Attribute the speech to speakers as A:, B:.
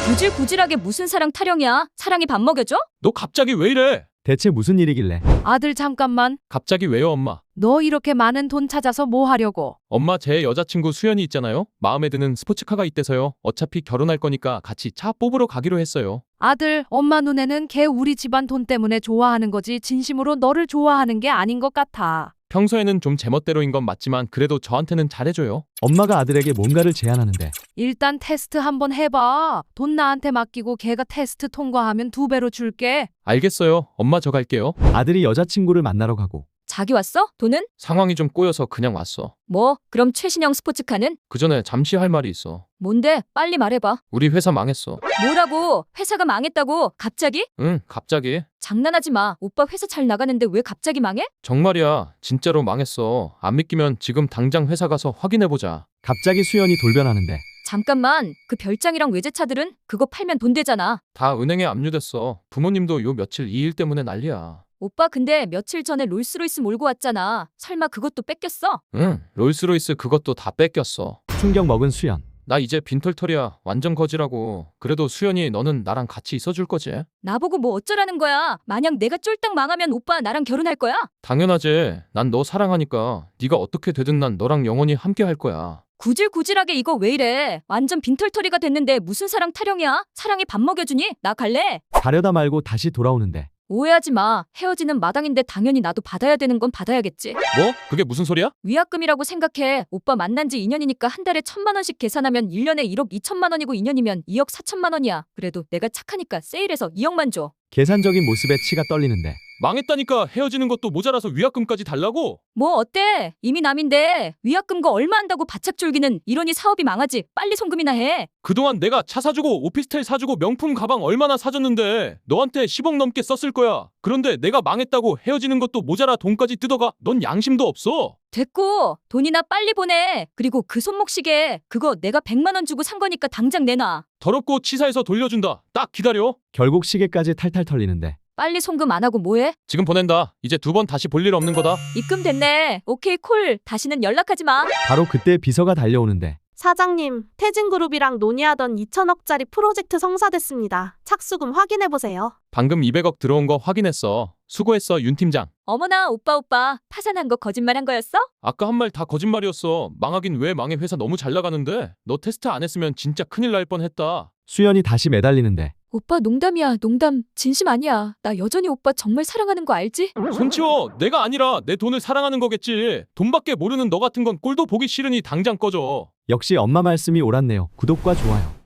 A: 구질구질하게 무슨 사랑 타령이야? 사랑이 밥 먹여줘?
B: 너 갑자기 왜 이래?
C: 대체 무슨 일이길래?
D: 아들 잠깐만.
B: 갑자기 왜요, 엄마?
D: 너 이렇게 많은 돈 찾아서 뭐 하려고?
B: 엄마, 제 여자친구 수연이 있잖아요. 마음에 드는 스포츠카가 있대서요. 어차피 결혼할 거니까 같이 차 뽑으러 가기로 했어요.
D: 아들, 엄마 눈에는 걔 우리 집안 돈 때문에 좋아하는 거지 진심으로 너를 좋아하는 게 아닌 것 같아.
B: 평소에는 좀 제멋대로인 건 맞지만 그래도 저한테는 잘해줘요.
C: 엄마가 아들에게 뭔가를 제안하는데
D: 일단 테스트 한번 해봐. 돈 나한테 맡기고 걔가 테스트 통과하면 2배로 줄게.
B: 알겠어요. 엄마, 저 갈게요.
C: 아들이 여자친구를 만나러 가고
A: 자기 왔어? 돈은?
B: 상황이 좀 꼬여서 그냥 왔어.
A: 뭐? 그럼 최신형 스포츠카는?
B: 그 전에 잠시 할 말이 있어.
A: 뭔데? 빨리 말해봐.
B: 우리 회사 망했어.
A: 뭐라고? 회사가 망했다고? 갑자기?
B: 응, 갑자기.
A: 장난하지 마. 오빠 회사 잘 나가는데 왜 갑자기 망해?
B: 정말이야. 진짜로 망했어. 안 믿기면 지금 당장 회사 가서 확인해보자.
C: 갑자기 수연이 돌변하는데
A: 잠깐만. 그 별장이랑 외제차들은? 그거 팔면 돈 되잖아.
B: 다 은행에 압류됐어. 부모님도 요 며칠 이 일 때문에 난리야.
A: 오빠 근데 며칠 전에 롤스로이스 몰고 왔잖아. 설마 그것도 뺏겼어?
B: 응, 롤스로이스 그것도 다 뺏겼어.
C: 충격 먹은 수연.
B: 나 이제 빈털털이야. 완전 거지라고. 그래도 수연이 너는 나랑 같이 있어줄 거지?
A: 나보고 뭐 어쩌라는 거야? 만약 내가 쫄딱 망하면 오빠 나랑 결혼할 거야?
B: 당연하지. 난 너 사랑하니까 네가 어떻게 되든 난 너랑 영원히 함께 할 거야.
A: 구질구질하게 이거 왜 이래? 완전 빈털터리가 됐는데 무슨 사랑 타령이야? 사랑이 밥 먹여주니? 나 갈래?
C: 가려다 말고 다시 돌아오는데
A: 오해하지 마. 헤어지는 마당인데 당연히 나도 받아야 되는 건 받아야겠지.
B: 뭐? 그게 무슨 소리야?
A: 위약금이라고 생각해. 오빠 만난 지 2년이니까 한 달에 1,000만 원씩 계산하면 1년에 1억 2천만 원이고 2년이면 2억 4천만 원이야. 그래도 내가 착하니까 세일해서 2억만 줘.
C: 계산적인 모습에 치가 떨리는데
B: 망했다니까 헤어지는 것도 모자라서 위약금까지 달라고?
A: 뭐 어때? 이미 남인데 위약금 거 얼마 한다고 바짝 졸기는 이러니 사업이 망하지. 빨리 송금이나 해.
B: 그동안 내가 차 사주고 오피스텔 사주고 명품 가방 얼마나 사줬는데 너한테 10억 넘게 썼을 거야. 그런데 내가 망했다고 헤어지는 것도 모자라 돈까지 뜯어가? 넌 양심도 없어.
A: 됐고 돈이나 빨리 보내. 그리고 그 손목시계 그거 내가 100만 원 주고 산 거니까 당장 내놔.
B: 더럽고 치사해서 돌려준다. 딱 기다려.
C: 결국 시계까지 탈탈 털리는데
A: 빨리 송금 안 하고 뭐해?
B: 지금 보낸다. 이제 2번 다시 볼 일 없는 거다.
A: 입금 됐네. 오케이 콜. 다시는 연락하지 마.
C: 바로 그때 비서가 달려오는데
E: 사장님, 태진그룹이랑 논의하던 2천억짜리 프로젝트 성사됐습니다. 착수금 확인해보세요.
B: 방금 200억 들어온 거 확인했어. 수고했어, 윤 팀장.
A: 어머나 오빠 파산한 거 거짓말한 거였어?
B: 아까 한 말 다 거짓말이었어. 망하긴 왜 망해. 회사 너무 잘 나가는데. 너 테스트 안 했으면 진짜 큰일 날 뻔했다.
C: 수연이 다시 매달리는데
A: 오빠 농담이야. 농담. 진심 아니야. 나 여전히 오빠 정말 사랑하는 거 알지?
B: 손 치워. 내가 아니라 내 돈을 사랑하는 거겠지. 돈밖에 모르는 너 같은 건 꼴도 보기 싫으니 당장 꺼져.
C: 역시 엄마 말씀이 옳았네요. 구독과 좋아요.